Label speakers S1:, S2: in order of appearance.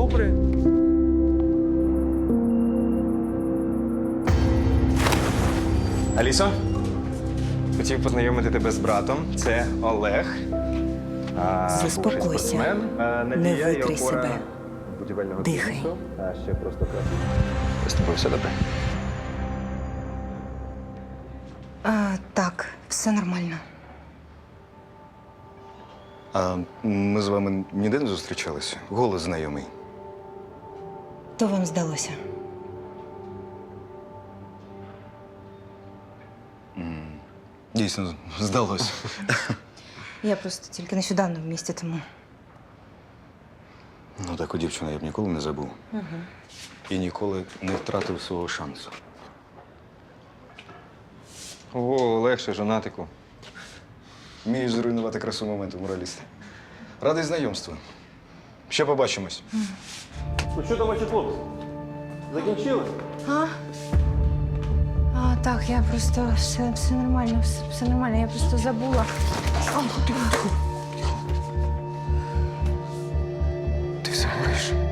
S1: добре.
S2: Алісо, хотів познайомити тебе з братом. Це Олег. Бувший
S3: Заспокойся.
S2: спортсмен, Надія
S3: Не
S2: і
S3: викрий
S2: опора
S3: себе.
S2: будівельного
S3: Дихай.
S2: бізнесу. А ще просто красивий. З тобою все добре.
S3: Так, все нормально.
S4: А ми з вами ніде не зустрічалися? Голос знайомий.
S3: То вам здалося.
S4: Дійсно, здалося.
S3: Я просто тільки нещодавно в місті, тому.
S4: Ну, таку дівчину я б ніколи не забув. І ніколи не втратив свого шансу.
S2: Ого, легше, жонатику.
S4: Вмієш зруйнувати красу моменту, мораліст. Радий знайомству. Ще побачимось.
S1: Ну що там ваші хлопці? Закінчили?
S3: Так, я просто все нормально, все нормально, я просто забула.
S4: Ти все говориш?